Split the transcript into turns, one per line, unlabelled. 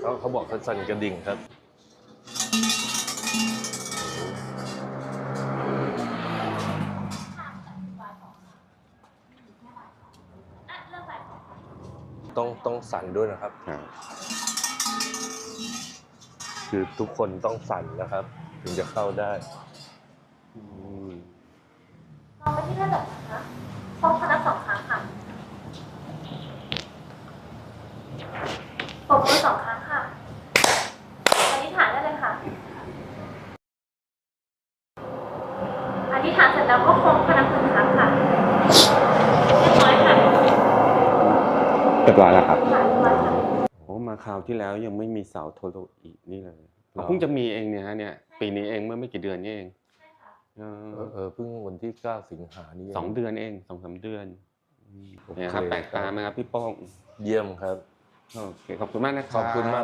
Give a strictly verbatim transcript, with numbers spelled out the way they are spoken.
เขาเขาบอกเขาสั่นกระดิ่งครับต้องต้องสั่นด้วยนะครับคือทุกคนต้องสั่นนะครับถึงจะเข้าได้
เราไม่ที่ระดับนะคะพร้อมคณะสองครั้งค่ะปรบมือสองครั้งค่ะอธิษฐานได้เลยค่ะอธิษฐานเสร็จแล้วก็โค้งคณะหนึ่งครั้งค่ะเรียบร้อยค่ะ
เรียบร้อยแล้วครับ
เรียบร้อยค่ะ
โอ้มาคราวที่แล้วยังไม่มีเสาโทโรอีนี่เลยเราเพิ่งจะมีเองเนี่ยฮะเนี่ยปีนี้เองเมื่อไม่กี่เดือนนี่เองเออ
เออเพิ่งวันที่เก้าสิงหานี่
สองเดือนเองสองสามเดือน
โอเค
เนี่ยครับแปลกตาไหมครับพี่โป้ง
เยี่ยมครับ
โอเคขอบคุณมากนะครับ
ขอบคุณมาก